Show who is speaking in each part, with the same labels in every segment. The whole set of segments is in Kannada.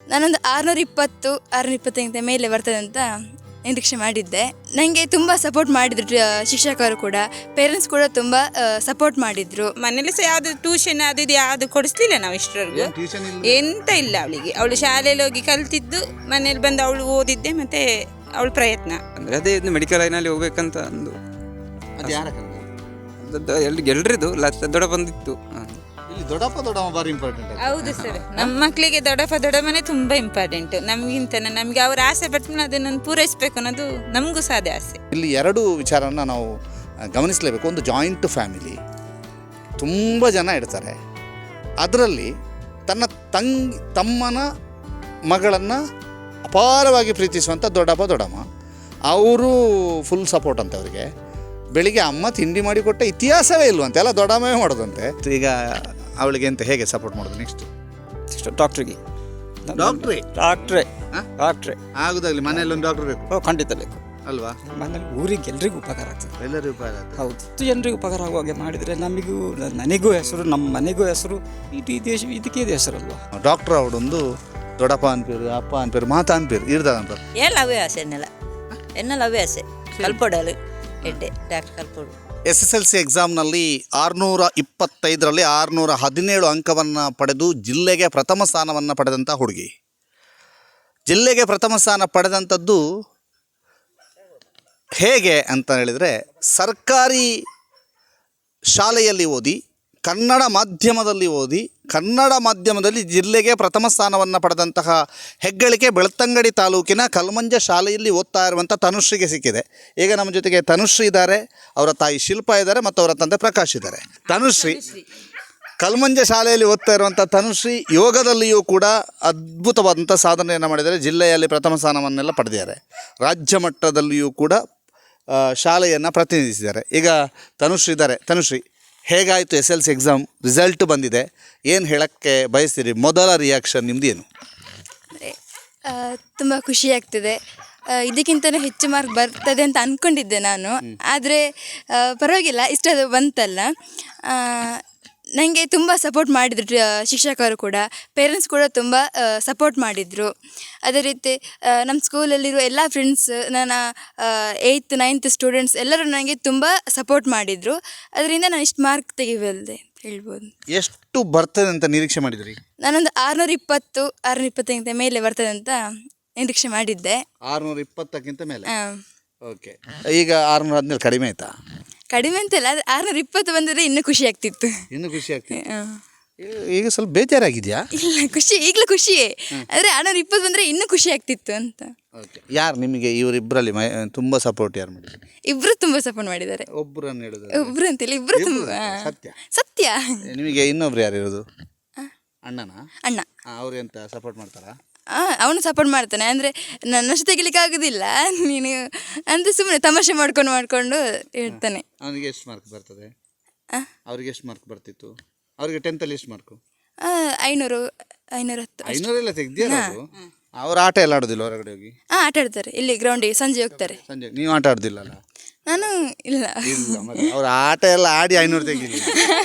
Speaker 1: ನಾನೊಂದು 620 625 ಮೇಲೆ ಬರ್ತದೆ ಅಂತ ನಿರೀಕ್ಷೆ ಮಾಡಿದ್ದೆ. ನನಗೆ ತುಂಬ ಸಪೋರ್ಟ್ ಮಾಡಿದ್ರು ಶಿಕ್ಷಕರು ಕೂಡ, ಪೇರೆಂಟ್ಸ್ ಕೂಡ ತುಂಬ ಸಪೋರ್ಟ್ ಮಾಡಿದ್ರು.
Speaker 2: ಮನೇಲಿ ಸಹ ಯಾವುದು ಟ್ಯೂಷನ್ ಅದು ಇದು ಯಾವುದು ಕೊಡಿಸ್ಲಿಲ್ಲ ನಾವು ಇಷ್ಟರವರೆಗೂ. ಎಂತ ಇಲ್ಲ ಅವಳಿಗೆ. ಅವಳು ಶಾಲೆಯಲ್ಲಿ ಹೋಗಿ ಕಲ್ತಿದ್ದು, ಮನೇಲಿ ಬಂದು ಅವಳು ಓದಿದ್ದೆ, ಮತ್ತೆ ಅವಳ ಪ್ರಯತ್ನ
Speaker 3: ಅಂದರೆ ಅದೇ ಮೆಡಿಕಲ್ ಲೈನಲ್ಲಿ ಹೋಗ್ಬೇಕಂತ ಒಂದು
Speaker 4: ಅದು ಯಾರ
Speaker 3: ಎಲ್ರಿದು ದೊಡ್ಡ ಬಂದಿತ್ತು.
Speaker 4: ಇಲ್ಲಿ ದೊಡ್ಡಮ್ಮ ಬಾರಿ ಇಂಪಾರ್ಟೆಂಟ್.
Speaker 2: ಹೌದು ಸರ್, ನಮ್ಮ ಮಕ್ಕಳಿಗೆ ದೊಡ್ಡಮ್ಮನೇ ತುಂಬ ಇಂಪಾರ್ಟೆಂಟ್. ನಮಗಿಂತ ನಮಗೆ ಅವ್ರ ಆಸೆ ಪಡ್ತೀನಿ ಅದನ್ನು ಪೂರೈಸಬೇಕು ಅನ್ನೋದು ನಮಗೂ ಸಹ ಅದೇ ಆಸೆ.
Speaker 4: ಇಲ್ಲಿ ಎರಡು ವಿಚಾರನ ನಾವು ಗಮನಿಸಲೇಬೇಕು. ಒಂದು ಜಾಯಿಂಟ್ ಫ್ಯಾಮಿಲಿ, ತುಂಬ ಜನ ಇರ್ತಾರೆ. ಅದರಲ್ಲಿ ತಮ್ಮನ ಮಗಳನ್ನು ಅಪಾರವಾಗಿ ಪ್ರೀತಿಸುವಂಥ ದೊಡ್ಡಮ್ಮ ಅವರು ಫುಲ್ ಸಪೋರ್ಟ್ ಅಂತ ಅವರಿಗೆ. ಬೆಳಿಗ್ಗೆ ಅಮ್ಮ ತಿಂಡಿ ಮಾಡಿಕೊಟ್ಟ ಇತಿಹಾಸವೇ ಇಲ್ವಂತೆ, ಎಲ್ಲ ದೊಡ್ಡಮ್ಮೇ ಮಾಡೋದಂತೆ. ಈಗ ಅವಳಿಗೆ ಅಂತ ಹೇಗೆ ಸಪೋರ್ಟ್ ಮಾಡೋದು ನೆಕ್ಸ್ಟ್
Speaker 3: ಡಾಕ್ಟ್ರಿಗೆ
Speaker 4: ಆಗುದಾಗಲಿ. ಮನೆಯಲ್ಲಿ ಒಂದು ಡಾಕ್ಟರ್ ಬೇಕು,
Speaker 3: ಖಂಡಿತ ಬೇಕು
Speaker 4: ಅಲ್ವಾ?
Speaker 3: ಮನೇಲಿ ಊರಿಗೆ ಎಲ್ರಿಗೂ ಉಪಕಾರ ಆಗ್ತದೆ.
Speaker 4: ಎಲ್ಲರಿಗೂ ಉಪಕಾರ ಆಗ್ತದೆ.
Speaker 3: ಹೌದು, ಜನರಿಗೂ ಉಪಕಾರ ಆಗುವ ಹಾಗೆ ಮಾಡಿದರೆ ನಮಗೂ, ನನಗೂ ಹೆಸರು, ನಮ್ಮ ಮನೆಗೂ ಹೆಸರು, ಈ ದೇಶ ಇದಕ್ಕೆ ಇದು ಹೆಸರಲ್ವಾ.
Speaker 4: ಡಾಕ್ಟರ್ ಅವಡೊಂದು ದೊಡ್ಡಪ್ಪ ಅನ್ಪೇರು, ಅಪ್ಪ ಅನ್ಪೇರು, ಮಾತಾ ಅನ್ಪೇರು ಇರ್ದಂತ
Speaker 5: ಎಲ್ಲ ಅವೇ ಆಸೆ ಎನ್ನೆಲ್ಲ ಅವೇ ಆಸೆ ಕಲ್ಪೊಡಲು ಎಡ್ಡೆ ಡಾಕ್ಟರ್ ಕಲ್ಪೊಡು.
Speaker 4: SSLC ಎಕ್ಸಾಮ್ನಲ್ಲಿ 625ರಲ್ಲಿ 617 ಅಂಕವನ್ನು ಪಡೆದು ಜಿಲ್ಲೆಗೆ ಪ್ರಥಮ ಸ್ಥಾನವನ್ನು ಪಡೆದಂಥ ಹುಡುಗಿ. ಜಿಲ್ಲೆಗೆ ಪ್ರಥಮ ಸ್ಥಾನ ಪಡೆದಂಥದ್ದು ಹೇಗೆ ಅಂತ ಹೇಳಿದರೆ, ಸರ್ಕಾರಿ ಶಾಲೆಯಲ್ಲಿ ಓದಿ, ಕನ್ನಡ ಮಾಧ್ಯಮದಲ್ಲಿ ಜಿಲ್ಲೆಗೆ ಪ್ರಥಮ ಸ್ಥಾನವನ್ನು ಪಡೆದಂತಹ ಹೆಗ್ಗಳಿಕೆ ಬೆಳ್ತಂಗಡಿ ತಾಲೂಕಿನ ಕಲ್ಮಂಜ ಶಾಲೆಯಲ್ಲಿ ಓದ್ತಾ ಇರುವಂಥ ತನುಶ್ರೀಗೆ ಸಿಕ್ಕಿದೆ. ಈಗ ನಮ್ಮ ಜೊತೆಗೆ ತನುಶ್ರೀ ಇದ್ದಾರೆ, ಅವರ ತಾಯಿ ಶಿಲ್ಪ ಇದ್ದಾರೆ, ಮತ್ತು ಅವರ ತಂದೆ ಪ್ರಕಾಶ್ ಇದ್ದಾರೆ. ತನುಶ್ರೀ ಕಲ್ಮಂಜ ಶಾಲೆಯಲ್ಲಿ ಓದ್ತಾ ಇರುವಂಥ ತನುಶ್ರೀ ಯೋಗದಲ್ಲಿಯೂ ಕೂಡ ಅದ್ಭುತವಾದಂಥ ಸಾಧನೆಯನ್ನು ಮಾಡಿದ್ದಾರೆ. ಜಿಲ್ಲೆಯಲ್ಲಿ ಪ್ರಥಮ ಸ್ಥಾನವನ್ನೆಲ್ಲ ಪಡೆದಿದ್ದಾರೆ. ರಾಜ್ಯ ಮಟ್ಟದಲ್ಲಿಯೂ ಕೂಡ ಶಾಲೆಯನ್ನು ಪ್ರತಿನಿಧಿಸಿದ್ದಾರೆ. ಈಗ ತನುಶ್ರೀ ಇದ್ದಾರೆ. ತನುಶ್ರೀ, ಹೇಗಾಯಿತು SSLC ಎಕ್ಸಾಮ್? ರಿಸಲ್ಟ್ ಬಂದಿದೆ, ಏನು ಹೇಳೋಕ್ಕೆ ಬಯಸ್ತೀರಿ? ಮೊದಲ ರಿಯಾಕ್ಷನ್ ನಿಮ್ದು ಏನು?
Speaker 1: ತುಂಬ ಖುಷಿ ಆಗ್ತಿದೆ. ಇದಕ್ಕಿಂತಲೂ ಹೆಚ್ಚು ಮಾರ್ಕ್ ಬರ್ತದೆ ಅಂತ ಅಂದ್ಕೊಂಡಿದ್ದೆ ನಾನು, ಆದರೆ ಪರವಾಗಿಲ್ಲ, ಇಷ್ಟದು ಬಂತಲ್ಲ. ನನಗೆ ತುಂಬ ಸಪೋರ್ಟ್ ಮಾಡಿದ್ರು ಶಿಕ್ಷಕರು ಕೂಡ, ಪೇರೆಂಟ್ಸ್ ಕೂಡ ತುಂಬ ಸಪೋರ್ಟ್ ಮಾಡಿದರು. ಅದೇ ರೀತಿ ನಮ್ಮ ಸ್ಕೂಲಲ್ಲಿರೋ ಎಲ್ಲ ಫ್ರೆಂಡ್ಸ್, ನನ್ನ 8th 9th ಸ್ಟೂಡೆಂಟ್ಸ್ ಎಲ್ಲರೂ ನನಗೆ ತುಂಬ ಸಪೋರ್ಟ್ ಮಾಡಿದರು. ಅದರಿಂದ ನಾನು ಇಷ್ಟು ಮಾರ್ಕ್ ತೆಗಿಬಲ್ದೆ ಅಂತ ಹೇಳ್ಬೋದು.
Speaker 4: ಎಷ್ಟು ಬರ್ತದೆ ಅಂತ ನಿರೀಕ್ಷೆ ಮಾಡಿದ್ರಿ?
Speaker 1: ನಾನೊಂದು 620 625 ಮೇಲೆ ಬರ್ತದೆ ಅಂತ ನಿರೀಕ್ಷೆ ಮಾಡಿದ್ದೆ.
Speaker 4: 620ಕ್ಕಿಂತ ಮೇಲೆ? ಓಕೆ. ಈಗ 617 ಕಡಿಮೆ ಆಯಿತಾ?
Speaker 1: ಕಡಿಮೆ ಅಂತಲ್ಲ, 620 ಬಂದರೆ ಇನ್ನೂ ಖುಷಿ ಆಗ್ತಿತ್ತು.
Speaker 4: ಇನ್ನೂ ಖುಷಿ ಆಗ್ತಿತ್ತು. ಈಗ ಸ್ವಲ್ಪ ಬೇಜಾರಾಗಿದೆಯಾ?
Speaker 1: ಇಲ್ಲ, ಖುಷಿ, ಈಗಲೂ ಖುಷಿಯೇ. ಆದರೆ 620 ಬಂದರೆ ಇನ್ನೂ ಖುಷಿ ಆಗ್ತಿತ್ತು ಅಂತ.
Speaker 4: ಓಕೆ. ಯಾರು ನಿಮಗೆ ಇವರಿಬ್ಬರಲ್ಲಿ ತುಂಬ ಸಪೋರ್ಟ್ ಯಾರು ಮಾಡಿದ್ರು?
Speaker 1: ಇಬ್ಬರು ತುಂಬ ಸಪೋರ್ಟ್ ಮಾಡಿದ್ದಾರೆ.
Speaker 4: ಒಬ್ಬರನ್ನು ಹೇಳಿದ್ರು?
Speaker 1: ಒಬ್ಬರು ಅಂತಿಲ್ಲ, ಇಬ್ಬರು ತುಂಬ. ಸತ್ಯ.
Speaker 4: ನಿಮಗೆ ಇನ್ನೊಬ್ರು ಯಾರು ಇರೋದು? ಅಣ್ಣನಾ?
Speaker 1: ಅಣ್ಣ.
Speaker 4: ಅವ್ರು ಎಂತ ಸಪೋರ್ಟ್ ಮಾಡ್ತಾರಾ?
Speaker 1: ಅವನು ಸಪೋರ್ಟ್ ಮಾಡ್ತಾನೆ. ಅಂದರೆ ನನ್ನಷ್ಟು ತೆಗಿಲಿಕ್ಕೆ ಆಗೋದಿಲ್ಲ, ನೀನು ಅಂತ ಸುಮ್ಮನೆ ತಮಾಷೆ ಮಾಡ್ಕೊಂಡು ಹೇಳ್ತಾನೆ.
Speaker 4: ಅವನಿಗೆ ಎಷ್ಟು ಮಾರ್ಕ್ ಬರ್ತದೆ? ಅವ್ರಿಗೆ ಎಷ್ಟು ಮಾರ್ಕ್ ಬರ್ತಿತ್ತು? ಅವ್ರಿಗೆ 10th ಎಷ್ಟು ಮಾರ್ಕು?
Speaker 1: 500 510.
Speaker 4: 500 ಎಲ್ಲ ತೆಗ್ದಿಯಲ್ಲ? ಅವ್ರು ಆಟ ಎಲ್ಲ ಆಡೋದಿಲ್ಲ ಹೊರಗಡೆ ಹೋಗಿ?
Speaker 1: ಆಟ ಆಡ್ತಾರೆ, ಇಲ್ಲಿ ಗ್ರೌಂಡಿಗೆ ಸಂಜೆ ಹೋಗ್ತಾರೆ.
Speaker 4: ಸಂಜೆ ನೀವು ಆಟ ಆಡೋದಿಲ್ಲಲ್ಲ?
Speaker 1: ನಾನು ಇಲ್ಲ.
Speaker 4: ಅವ್ರ ಆಟ ಎಲ್ಲ ಆಡಿ 500 ತೆಗಿಲಿ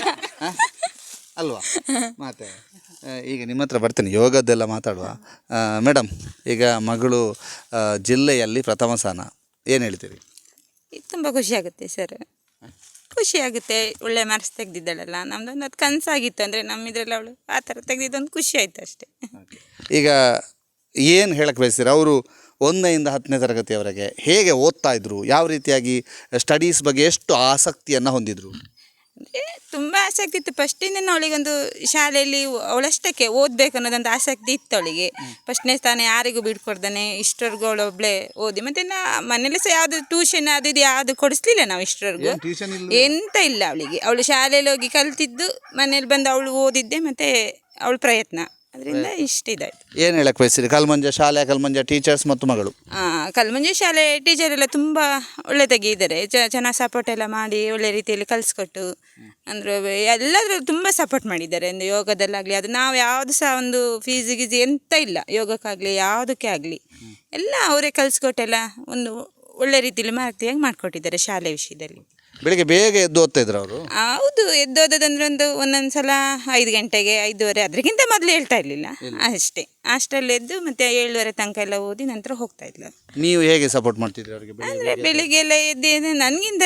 Speaker 4: ಅಲ್ವಾ? ಮತ್ತೆ ಈಗ ನಿಮ್ಮ ಹತ್ರ ಬರ್ತೀನಿ, ಯೋಗದ್ದೆಲ್ಲ ಮಾತಾಡುವ. ಮೇಡಮ್, ಈಗ ಮಗಳು ಜಿಲ್ಲೆಯಲ್ಲಿ ಪ್ರಥಮ ಸ್ಥಾನ, ಏನು ಹೇಳ್ತೀರಿ?
Speaker 2: ತುಂಬ ಖುಷಿ ಆಗುತ್ತೆ ಸರ್, ಖುಷಿ ಆಗುತ್ತೆ. ಒಳ್ಳೆ ಮಾರ್ಕ್ಸ್ ತೆಗೆದಿದ್ದಾಳಲ್ಲ, ನಮ್ದೊಂದು ಅದು ಕನಸಾಗಿತ್ತು. ಅಂದರೆ ನಮ್ಮಿದ್ರಲ್ಲಿ ಅವಳು ಆ ಥರ ತೆಗೆದಿದ್ದೊಂದು ಖುಷಿ ಆಯಿತು ಅಷ್ಟೇ.
Speaker 4: ಈಗ ಏನು ಹೇಳಕ್ಕೆ ಬಯಸ್ತೀರ? ಅವರು 1ರಿಂದ 10ನೇ ತರಗತಿಯವರೆಗೆ ಹೇಗೆ ಓದ್ತಾ ಇದ್ರು? ಯಾವ ರೀತಿಯಾಗಿ ಸ್ಟಡೀಸ್ ಬಗ್ಗೆ ಎಷ್ಟು ಆಸಕ್ತಿಯನ್ನು ಹೊಂದಿದ್ರು?
Speaker 2: ಅಂದರೆ ತುಂಬ ಆಸಕ್ತಿ ಇತ್ತು. ಫಸ್ಟಿಂದ ಅವಳಿಗೊಂದು ಶಾಲೆಯಲ್ಲಿ ಅವಳಷ್ಟಕ್ಕೆ ಓದಬೇಕು ಅನ್ನೋದೊಂದು ಆಸಕ್ತಿ ಇತ್ತು ಅವಳಿಗೆ. ಫಸ್ಟ್ನೇ ಸ್ಥಾನ ಯಾರಿಗೂ ಬಿಡ್ಕೊಡ್ದಾನೆ ಇಷ್ಟವರೆಗೂ ಅವಳೊಬ್ಬಳೇ ಓದಿ. ಮತ್ತು ಮನೇಲಿ ಸಹ ಯಾವುದು ಟ್ಯೂಷನ್ ಅದು ಇದು ಯಾವುದು ಕೊಡಿಸ್ಲಿಲ್ಲ ನಾವು ಇಷ್ಟವರೆಗೂ. ಎಂತ ಇಲ್ಲ ಅವಳಿಗೆ. ಅವಳು ಶಾಲೆಯಲ್ಲಿ ಹೋಗಿ ಕಲ್ತಿದ್ದು, ಮನೇಲಿ ಬಂದು ಅವಳು ಓದಿದ್ದೆ, ಮತ್ತು ಅವಳ ಪ್ರಯತ್ನ, ಅದರಿಂದ ಇಷ್ಟಿದಾಯಿತು.
Speaker 4: ಏನು ಹೇಳಕ್ಕೆ ಬಯಸ್ತೀರಿ? ಕಲ್ಮಂಜ ಶಾಲೆ, ಕಲ್ಮಂಜ ಟೀಚರ್ಸ್ ಮತ್ತು ಮಗಳು.
Speaker 2: ಕಲ್ಮಂಜ ಶಾಲೆ ಟೀಚರ್ ಎಲ್ಲ ತುಂಬ ಒಳ್ಳೆ ತೆಗಿದ್ದಾರೆ. ಚೆನ್ನಾಗಿ ಸಪೋರ್ಟ್ ಎಲ್ಲ ಮಾಡಿ ಒಳ್ಳೆ ರೀತಿಯಲ್ಲಿ ಕಲಿಸ್ಕೊಟ್ಟು, ಅಂದರೆ ಎಲ್ಲರೂ ತುಂಬ ಸಪೋರ್ಟ್ ಮಾಡಿದ್ದಾರೆ. ಒಂದು ಯೋಗದಲ್ಲಾಗಲಿ, ಅದು ನಾವು ಯಾವುದು ಸಹ ಒಂದು ಫೀಸ್ ಗೀಸ್ ಎಂತ ಇಲ್ಲ, ಯೋಗಕ್ಕಾಗಲಿ ಯಾವುದಕ್ಕೆ ಆಗಲಿ ಎಲ್ಲ ಅವರೇ ಕಲಿಸ್ಕೊಟ್ಟೆಲ್ಲ ಒಂದು ಒಳ್ಳೆ ರೀತಿಯಲ್ಲಿ ಮಾರ್ಕ್ತಿಯಾಗಿ ಮಾಡಿಕೊಟ್ಟಿದ್ದಾರೆ ಶಾಲೆ ವಿಷಯದಲ್ಲಿ.
Speaker 4: ಬೆಳಿಗ್ಗೆ ಬೇಗ ಎದ್ದು ಓದ್ತಾ ಇದ್ರು ಅವರು?
Speaker 2: ಹೌದು, ಎದ್ದೋದಂದ್ರೆ ಒಂದೊಂದು ಸಲ 5 ಗಂಟೆಗೆ 5:30, ಅದಕ್ಕಿಂತ ಮೊದಲು ಹೇಳ್ತಾ ಇರಲಿಲ್ಲ ಅಷ್ಟೇ. ಅಷ್ಟರಲ್ಲಿ ಎದ್ದು ಮತ್ತೆ 7:30 ತನಕ ಎಲ್ಲ ಓದಿ ನಂತರ ಹೋಗ್ತಾ ಇದ್ಲು.
Speaker 4: ನೀವು ಹೇಗೆ ಸಪೋರ್ಟ್ ಮಾಡ್ತಿದ್ರಿ ಅವರಿಗೆ?
Speaker 2: ಅಂದರೆ ಬೆಳಿಗ್ಗೆ ಎಲ್ಲ ಎದ್ದು ನನಗಿಂತ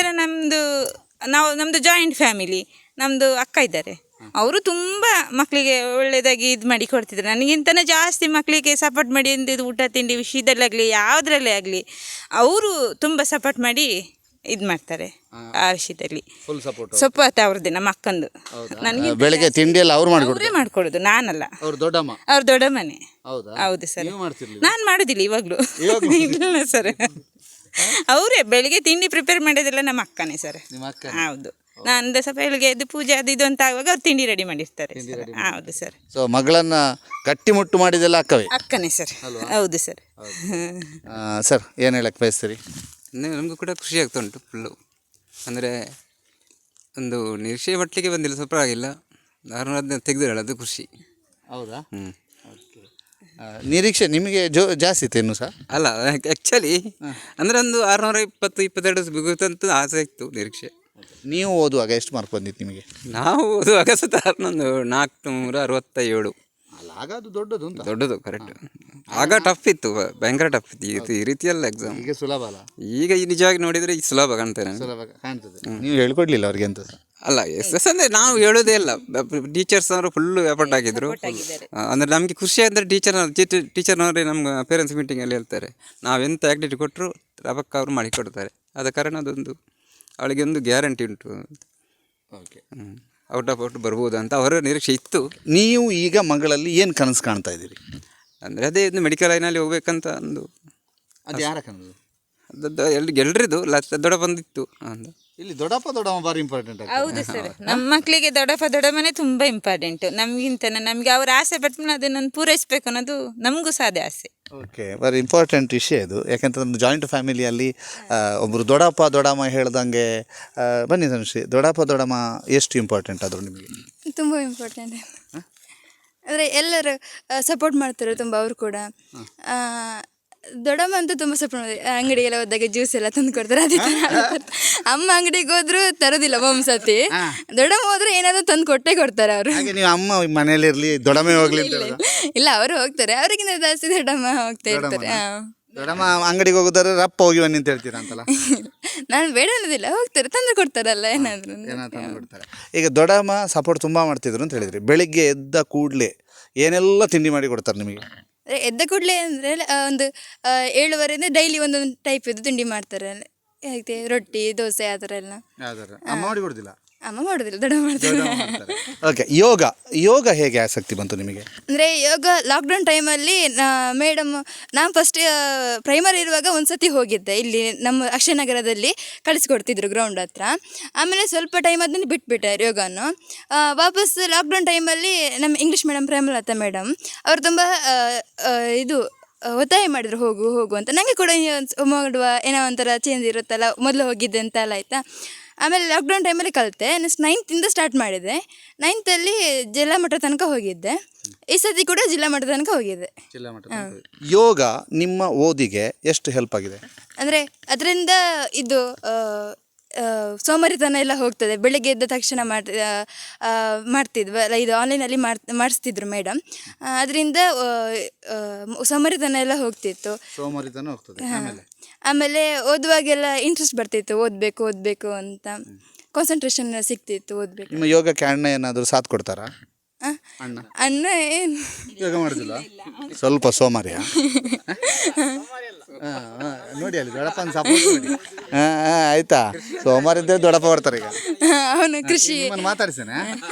Speaker 2: ನಮ್ಮದು ಜಾಯಿಂಟ್ ಫ್ಯಾಮಿಲಿ, ನಮ್ಮದು ಅಕ್ಕ ಇದ್ದಾರೆ, ಅವರು ತುಂಬ ಮಕ್ಕಳಿಗೆ ಒಳ್ಳೆಯದಾಗಿ ಇದು ಮಾಡಿ ಕೊಡ್ತಿದ್ರು. ನನಗಿಂತನೇ ಜಾಸ್ತಿ ಮಕ್ಕಳಿಗೆ ಸಪೋರ್ಟ್ ಮಾಡಿ ಅಂದಿದ್ದು ಊಟ ತಿಂಡಿ ವಿಷಯದಲ್ಲಾಗಲಿ ಯಾವುದ್ರಲ್ಲೇ ಆಗಲಿ ಅವರು ತುಂಬ ಸಪೋರ್ಟ್ ಮಾಡಿ ಇದು ಮಾಡ್ತಾರೆ. ಆ ವಿಷಯದಲ್ಲಿ
Speaker 4: ಫುಲ್ ಸಪೋರ್ಟ್.
Speaker 2: ಸಪೋರ್ಟ್ ಅವ್ರದ್ದೇ, ನಮ್ಮ ಅಕ್ಕಂದು. ನನಗೆ
Speaker 4: ಬೆಳಿಗ್ಗೆ ತಿಂಡಿ ಎಲ್ಲ ಅವ್ರು ಮಾಡ್ಕೊಡ್ತಾರೆ?
Speaker 2: ಅವರೇ ಮಾಡ್ಕೊಡೋದು, ನಾನಲ್ಲ.
Speaker 4: ಅವ್ರು ದೊಡ್ಡಮ್ಮ?
Speaker 2: ಅವ್ರ ದೊಡ್ಡ ಮನೆ.
Speaker 4: ಹೌದಾ?
Speaker 2: ಹೌದು ಸರ್.
Speaker 4: ನೀವು ಮಾಡ್ತಿರ್ಲಿಲ್ಲ?
Speaker 2: ನಾನು ಮಾಡೋದಿಲ್ಲ ಇವಾಗಲೂ. ಇಲ್ಲ ಸರ್, ಅವರೇ ಬೆಳಿಗ್ಗೆ ತಿಂಡಿ ಪ್ರಿಪೇರ್ ಮಾಡೋದಿಲ್ಲ ನಮ್ಮ ಅಕ್ಕನೇ ಸರ್.
Speaker 4: ನಿಮ್ಮ ಅಕ್ಕ?
Speaker 2: ಹೌದು. ನಾನು ಸ್ವಲ್ಪ ಬೆಳಿಗ್ಗೆ ಎದ್ದು ಪೂಜೆ ಅದು ಇದು ಅಂತ ಆಗುವಾಗ ಅವ್ರು ತಿಂಡಿ ರೆಡಿ ಮಾಡಿರ್ತಾರೆ ಸರ್. ಹೌದು ಸರ್.
Speaker 4: ಸೊ ಮಗಳನ್ನ ಗಟ್ಟಿಮುಟ್ಟು ಮಾಡಿದೆಲ್ಲ ಅಕ್ಕವೇ?
Speaker 2: ಅಕ್ಕನೇ ಸರ್. ಹೌದು ಸರ್.
Speaker 4: ಸರ್ ಏನು ಹೇಳಕ್ಕೆ ಬಯಸ್ತೀರಿ?
Speaker 6: ನಮಗೂ ಕೂಡ ಖುಷಿ ಆಗ್ತಾ ಉಂಟು ಫುಲ್ಲು. ಅಂದರೆ ಒಂದು ನಿರೀಕ್ಷೆ ಮಟ್ಟಿಗೆ ಬಂದಿಲ್ಲ, ಸ್ವಲ್ಪ ಆಗಿಲ್ಲ, ಅದನ್ನ ತೆಗೆದಿರಲ್ಲ, ಅದು ಖುಷಿ.
Speaker 4: ಹೌದಾ?
Speaker 6: ಹ್ಞೂ.
Speaker 4: ನಿರೀಕ್ಷೆ ನಿಮಗೆ ಜಾಸ್ತಿ ಇತ್ತು ಇನ್ನೂ ಸಹ?
Speaker 6: ಅಲ್ಲ, ಆ್ಯಕ್ಚುಲಿ ಅಂದರೆ ಒಂದು 620-22 ಸಿಗುತ್ತಂತ ಆಸೆ ಇತ್ತು, ನಿರೀಕ್ಷೆ.
Speaker 4: ನೀವು ಓದುವಾಗ ಎಷ್ಟು ಮಾರ್ಕ್ ಬಂದಿತ್ತು ನಿಮಗೆ?
Speaker 6: ನಾವು ಓದುವಾಗ ಸತ ಒಂದು 467.
Speaker 4: ಅಲ್ಲ, ಆಗ ಅದು ದೊಡ್ಡದು ಅಂತ.
Speaker 6: ದೊಡ್ಡದು, ಕರೆಕ್ಟ್. ಆಗ ಟಫ್ ಇತ್ತು, ಭಯಂಕರ ಟಫ್ ಇತ್ತು ಈ ರೀತಿಯಲ್ಲ ಎಕ್ಸಾಮ್.
Speaker 4: ಈಗ ಸುಲಭ ಅಲ್ಲ?
Speaker 6: ಈಗ ಈ ನಿಜವಾಗಿ ನೋಡಿದರೆ ಈ ಸುಲಭ ಕಾಣ್ತೇನೆ.
Speaker 4: ಸುಲಭ ಕಾಣ್ತದೆ. ನೀವು ಹೇಳ್ಕೊಡ್ಲಿಲ್ಲ ಅವ್ರಿಗೆ ಅಂತ ಸಹ?
Speaker 6: ಅಲ್ಲ, ಎಸ್ ಅಂದರೆ ನಾವು ಹೇಳೋದೇ ಇಲ್ಲ, ಟೀಚರ್ಸ್ ಅವರು ಫುಲ್ಲು ಎಫರ್ಟ್ ಆಗಿದ್ರು. ಅಂದರೆ ನಮಗೆ ಖುಷಿ ಅಂದರೆ ಟೀಚರ್ನವರೇ ನಮ್ಮ ಪೇರೆಂಟ್ಸ್ ಮೀಟಿಂಗಲ್ಲಿ ಹೇಳ್ತಾರೆ, ನಾವೆಂಥ ಆ್ಯಕ್ಟಿವಿಟಿ ಕೊಟ್ಟರು ರಬಕ್ಕ ಅವರು ಮಾಡಿಕೊಡ್ತಾರೆ. ಆದ ಕಾರಣ ಅದೊಂದು ಅವಳಿಗೆ ಒಂದು ಗ್ಯಾರಂಟಿ ಉಂಟು.
Speaker 4: ಓಕೆ.
Speaker 6: ಔಟ್ ಆಫ್ ಔಟ್ ಬರ್ಬೋದು ಅಂತ ಅವರ ನಿರೀಕ್ಷೆ ಇತ್ತು.
Speaker 4: ನೀವು ಈಗ ಮಗಳಲ್ಲಿ ಏನು ಕನಸು ಕಾಣ್ತಾ ಇದ್ದೀರಿ?
Speaker 6: ಅಂದರೆ ಅದೇ ಒಂದು ಮೆಡಿಕಲ್ ಲೈನಲ್ಲಿ ಹೋಗ್ಬೇಕಂತ ಒಂದು.
Speaker 4: ಅದು ಯಾರ ಕನಸು?
Speaker 6: ಎಲ್ರಿದು ದೊಡ್ಡ ಬಂದಿತ್ತು ಅಂತ.
Speaker 4: ಇಲ್ಲಿ ದೊಡ್ಡಮ್ಮ ಭಾರಿ ಇಂಪಾರ್ಟೆಂಟ್.
Speaker 2: ಹೌದು ಸರ್, ನಮ್ಮ ಮಕ್ಕಳಿಗೆ ದೊಡ್ಡಮ್ಮನೇ ತುಂಬ ಇಂಪಾರ್ಟೆಂಟ್. ನಮಗೆ ಅವ್ರ ಆಸೆ ಪಟ್ಟು ಅದನ್ನು ಪೂರೈಸಬೇಕು ಅನ್ನೋದು ನಮಗೂ ಸಹ ಅದೇ ಆಸೆ.
Speaker 4: ಓಕೆ, ವೆರಿ ಇಂಪಾರ್ಟೆಂಟ್ ವಿಷಯ ಇದು. ಯಾಕೆಂತಂದ್ರೆ ಒಂದು ಜಾಯಿಂಟ್ ಫ್ಯಾಮಿಲಿಯಲ್ಲಿ ಒಬ್ಬರು ದೊಡ್ಡಮ್ಮ ಹೇಳ್ದಂಗೆ, ಬನ್ನಿ ತನುಶ್ರೀ, ದೊಡ್ಡಮ್ಮ ಎಷ್ಟು ಇಂಪಾರ್ಟೆಂಟ್ ಆದರು ನಿಮಗೆ?
Speaker 1: ತುಂಬ ಇಂಪಾರ್ಟೆಂಟ್. ಅಂದರೆ ಎಲ್ಲರೂ ಸಪೋರ್ಟ್ ಮಾಡ್ತಾರೆ ತುಂಬ, ಅವರು ಕೂಡ. ದೊಡ್ಡಮ್ಮ ಅಂತೂ ತುಂಬ ಸಪೋರ್ಟ್ ಮಾಡಿದೆ. ಅಂಗಡಿಗೆಲ್ಲ ಹೋದಾಗ ಜ್ಯೂಸ್ ಎಲ್ಲ ತಂದು ಕೊಡ್ತಾರೆ. ಅದೇ ಥರ ಅಮ್ಮ ಅಂಗಡಿಗೆ ಹೋದ್ರು ತರೋದಿಲ್ಲ ಒಂದ್ಸತಿ, ದೊಡ್ಡಮ್ಮ ಹೋದ್ರೆ ಏನಾದರೂ ತಂದು ಕೊಟ್ಟೇ ಕೊಡ್ತಾರೆ ಅವರು.
Speaker 4: ಹಾಗೆ ನೀವು ಅಮ್ಮ ಮನೆಯಲ್ಲಿರಲಿ ದೊಡ್ಡಮ್ಮ ಹೋಗ್ಲಿ?
Speaker 1: ಇಲ್ಲ, ಅವರು ಹೋಗ್ತಾರೆ, ಅವರಿಗಿಂತ ಜಾಸ್ತಿ ದೊಡ್ಡಮ್ಮ ಹೋಗ್ತಾ ಇರ್ತಾರೆ.
Speaker 4: ದೊಡ್ಡಮ್ಮ ಅಂಗಡಿಗೆ ಹೋಗೋದಾದ್ರೆ ರಪ್ಪ ಹೋಗಿ ಬನ್ನಿ ಅಂತ ಹೇಳ್ತೀರಾ ಅಂತಲ್ಲ?
Speaker 1: ನಾನು ಬೇಡ ಅನ್ನೋದಿಲ್ಲ, ಹೋಗ್ತಾರೆ, ತಂದು ಕೊಡ್ತಾರಲ್ಲ ಏನಾದರೂ
Speaker 4: ತಂದು ಕೊಡ್ತಾರೆ. ಈಗ ದೊಡ್ಡಮ್ಮ ಸಪೋರ್ಟ್ ತುಂಬ ಮಾಡ್ತಿದ್ರು ಅಂತ ಹೇಳಿದ್ರಿ. ಬೆಳಿಗ್ಗೆ ಎದ್ದ ಕೂಡಲೇ ಏನೆಲ್ಲ ತಿಂಡಿ ಮಾಡಿ ಕೊಡ್ತಾರೆ ನಿಮಗೆ?
Speaker 1: ಎದ್ದ ಕೂಡಲೇ ಅಂದರೆ ಒಂದು 7:30 ಡೈಲಿ ಒಂದೊಂದು ಟೈಪ್ ಇದು ತಿಂಡಿ ಮಾಡ್ತಾರೆ. ಹೇಗೆ ರೊಟ್ಟಿ, ದೋಸೆ ಆ ಥರ ಎಲ್ಲ.
Speaker 4: ಅಮ್ಮ ಮಾಡಿ ಕೊಡೋದಿಲ್ಲ?
Speaker 1: ಅಮ್ಮ ಮಾಡೋದಿಲ್ಲ, ದೊಡ್ಡ ಮಾಡ್ತಾರೆ.
Speaker 4: ಓಕೆ, ಯೋಗ ಹೇಗೆ ಆಸಕ್ತಿ ಬಂತು ನಿಮಗೆ?
Speaker 1: ಅಂದರೆ ಯೋಗ ಲಾಕ್ಡೌನ್ ಟೈಮಲ್ಲಿ ಮೇಡಮ್, ನಾನು ಫಸ್ಟ್ ಪ್ರೈಮರಿ ಇರುವಾಗ ಒಂದು ಸತಿ ಹೋಗಿದ್ದೆ, ಇಲ್ಲಿ ನಮ್ಮ ಅಕ್ಷಯನಗರದಲ್ಲಿ ಕಳಿಸ್ಕೊಡ್ತಿದ್ರು ಗ್ರೌಂಡ್ ಹತ್ರ. ಆಮೇಲೆ ಸ್ವಲ್ಪ ಟೈಮ್ ಆದ್ಮೇಲೆ ಬಿಟ್ಬಿಟ್ಟೆ ಯೋಗನು. ವಾಪಸ್ ಲಾಕ್ಡೌನ್ ಟೈಮಲ್ಲಿ ನಮ್ಮ ಇಂಗ್ಲೀಷ್ ಮೇಡಮ್ ಪ್ರೇಮಲತಾ ಮೇಡಮ್ ಅವರು ತುಂಬ ಇದು ಒತ್ತಾಯ ಮಾಡಿದ್ರು, ಹೋಗು ಅಂತ. ನನಗೆ ಕೂಡ ಮಾಡುವ ಏನೋ ಒಂಥರ ಚೇಂಜ್ ಇರುತ್ತಲ್ಲ, ಮೊದಲು ಹೋಗಿದ್ದೆ ಅಂತ ಎಲ್ಲ ಆಯಿತಾ. ಆಮೇಲೆ ಲಾಕ್ಡೌನ್ ಟೈಮಲ್ಲಿ ಕಲಿತೆ. ನೆಕ್ಸ್ಟ್ 9th ಸ್ಟಾರ್ಟ್ ಮಾಡಿದೆ. 9th ಜಿಲ್ಲಾ ಮಟ್ಟ ತನಕ ಹೋಗಿದ್ದೆ. ಈ ಸತಿ ಕೂಡ ಜಿಲ್ಲಾ ಮಟ್ಟ ತನಕ ಹೋಗಿದ್ದೆ.
Speaker 4: ಯೋಗ ನಿಮ್ಮ ಓದಿಗೆ ಎಷ್ಟು ಹೆಲ್ಪ್ ಆಗಿದೆ?
Speaker 1: ಅಂದರೆ ಅದರಿಂದ ಇದು ಸೋಮಾರಿತನ ಎಲ್ಲ ಹೋಗ್ತದೆ. ಬೆಳಗ್ಗೆ ಎದ್ದ ತಕ್ಷಣ ಮಾಡ್ತಿದ್ವಲ್ಲ, ಇದು ಆನ್ಲೈನಲ್ಲಿ ಮಾಡಿಸ್ತಿದ್ರು ಮೇಡಮ್. ಅದರಿಂದ ಸೋಮಾರಿತನ ಎಲ್ಲ ಹೋಗ್ತಿತ್ತು. ಆಮೇಲೆ ಓದುವಾಗೆಲ್ಲ ಇಂಟ್ರೆಸ್ಟ್ ಬರ್ತಿತ್ತು, ಓದಬೇಕು ಅಂತ ಕಾನ್ಸಂಟ್ರೇಷನ್ ಸಿಗ್ತಿತ್ತು, ಓದಬೇಕು.
Speaker 4: ನಿಮ್ಮ ಯೋಗಕ್ಕೆ ಅಣ್ಣ ಏನಾದರೂ ಸಾಥ್ ಕೊಡ್ತಾರಾ?
Speaker 1: ಅಣ್ಣ ಏನು
Speaker 4: ಯೋಗ ಮಾಡೋದಿಲ್ಲ, ಸ್ವಲ್ಪ ಸೋಮಾರಿಯ. ನೋಡಿ ಅಲ್ಲಿ ದೊಡ್ಡಪ್ಪನ ಸಪೋರ್ಟ್ ಮಾಡಿ. ಆಯ್ತಾ, ಸೋಮವಾರ ಇದ್ದೇ ದೊಡ್ಡಪ್ಪ ಬರ್ತಾರೆ. ಈಗ
Speaker 1: ಅವನು ಕೃಷಿ
Speaker 4: ಮಾತಾಡ್ಸೇನೆ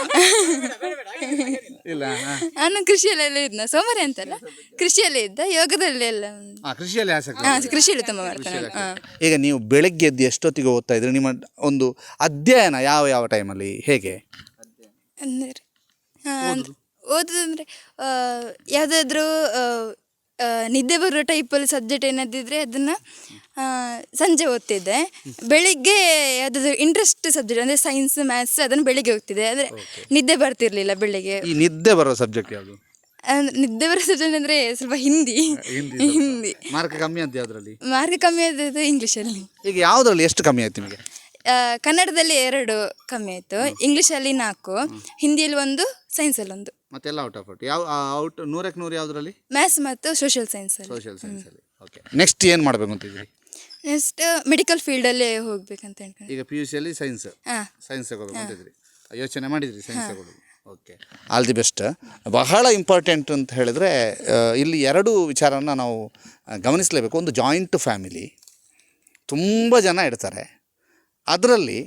Speaker 4: ಇಲ್ಲ,
Speaker 1: ಅವನು ಕೃಷಿಯಲ್ಲೆಲ್ಲ ಇದ್ನ, ಸೋಮಾರಿ ಅಂತಲ್ಲ, ಕೃಷಿಯಲ್ಲೇ ಇದ್ದ, ಯೋಗದಲ್ಲಿ ಎಲ್ಲ
Speaker 4: ಕೃಷಿಯಲ್ಲಿ ಆಸಕ್ತಿ.
Speaker 1: ಕೃಷಿಯಲ್ಲಿ ತುಂಬ ಮಾಡ್ತಾನೆ.
Speaker 4: ಈಗ ನೀವು ಬೆಳಗ್ಗೆ ಎದ್ದು ಎಷ್ಟೊತ್ತಿಗೆ ಓದ್ತಾ ಇದ್ರಿ? ನಿಮ್ಮ ಒಂದು ಅಧ್ಯಯನ ಯಾವ ಟೈಮಲ್ಲಿ ಹೇಗೆ?
Speaker 1: ಅಂದರೆ ಓದೋದಂದರೆ ಯಾವುದಾದ್ರೂ ನಿದ್ದೆ ಬರೋ ಟೈಪಲ್ಲಿ ಸಬ್ಜೆಕ್ಟ್ ಏನಾದಿದ್ರೆ ಅದನ್ನು ಸಂಜೆ ಓದ್ತಿದ್ದೆ. ಬೆಳಿಗ್ಗೆ ಯಾವುದಾದ್ರೂ ಇಂಟ್ರೆಸ್ಟ್ ಸಬ್ಜೆಕ್ಟ್ ಅಂದರೆ ಸೈನ್ಸ್, ಮ್ಯಾಥ್ಸ್ ಅದನ್ನು ಬೆಳಿಗ್ಗೆ ಹೋಗ್ತಿದ್ದೆ. ಅಂದರೆ ನಿದ್ದೆ ಬರ್ತಿರ್ಲಿಲ್ಲ ಬೆಳಿಗ್ಗೆ.
Speaker 4: ಈ ನಿದ್ದೆ ಬರೋ ಸಬ್ಜೆಕ್ಟ್ ಯಾವುದು?
Speaker 1: ನಿದ್ದೆ ಬರೋ ಸಬ್ಜೆಕ್ಟ್ ಅಂದರೆ ಸ್ವಲ್ಪ ಹಿಂದಿ.
Speaker 4: ಮಾರ್ಕ್ ಕಮ್ಮಿ ಅಂತ ಯಾವುದ್ರಲ್ಲಿ?
Speaker 1: ಮಾರ್ಕ್ ಕಮ್ಮಿ ಆದದ್ದು ಇಂಗ್ಲೀಷಲ್ಲಿ.
Speaker 4: ಈಗ ಯಾವುದ್ರಲ್ಲಿ ಎಷ್ಟು ಕಮ್ಮಿ ಆಯ್ತು ನಿಮಗೆ?
Speaker 1: ಕನ್ನಡದಲ್ಲಿ 2 ಕಮ್ಮಿ ಆಯಿತು, ಇಂಗ್ಲೀಷಲ್ಲಿ 4, ಹಿಂದಿಯಲ್ಲಿ 1, ಸೈನ್ಸಲ್ಲಿ 1.
Speaker 4: ಮತ್ತೆಲ್ಲ ಔಟ್ ಆಫ್ ಔಟ್ ಯಾವ ಔಟ್ 100ಕ್ಕೆ 100 ಯಾವುದರಲ್ಲಿ?
Speaker 1: ಮ್ಯಾಥ್ಸ್ ಮತ್ತು ಸೋಷಿಯಲ್ ಸೈನ್ಸಲ್ಲಿ.
Speaker 4: ಸೋಷಿಯಲ್ ಸೈನ್ಸಲ್ಲಿ. ಓಕೆ, ನೆಕ್ಸ್ಟ್ ಏನು ಮಾಡಬೇಕು ಅಂತಿದ್ದೀರಿ?
Speaker 1: ನೆಕ್ಸ್ಟ್ ಮೆಡಿಕಲ್ ಫೀಲ್ಡಲ್ಲೇ ಹೋಗ್ಬೇಕಂತ ಹೇಳ್ಕೊಂಡು.
Speaker 4: ಈಗ ಪಿ ಯು ಸಿಯಲ್ಲಿ ಸೈನ್ಸ್
Speaker 1: ಹಾಂ,
Speaker 4: ಸೈನ್ಸ್ ತಗೋಬೇಕು ಅಂತಿದ್ರಿ, ಯೋಚನೆ ಮಾಡಿದ್ರಿ ಸೈನ್ಸ್ ತಗೊಳ್ಳೋದು. Okay, all the best. ಬಹಳ ಇಂಪಾರ್ಟೆಂಟ್ ಅಂತ ಹೇಳಿದರೆ ಇಲ್ಲಿ 2 ವಿಚಾರವನ್ನು ನಾವು ಗಮನಿಸಲೇಬೇಕು. ಒಂದು, ಜಾಯಿಂಟ್ ಫ್ಯಾಮಿಲಿ, ತುಂಬ ಜನ ಇರ್ತಾರೆ. ಅದರಲ್ಲಿ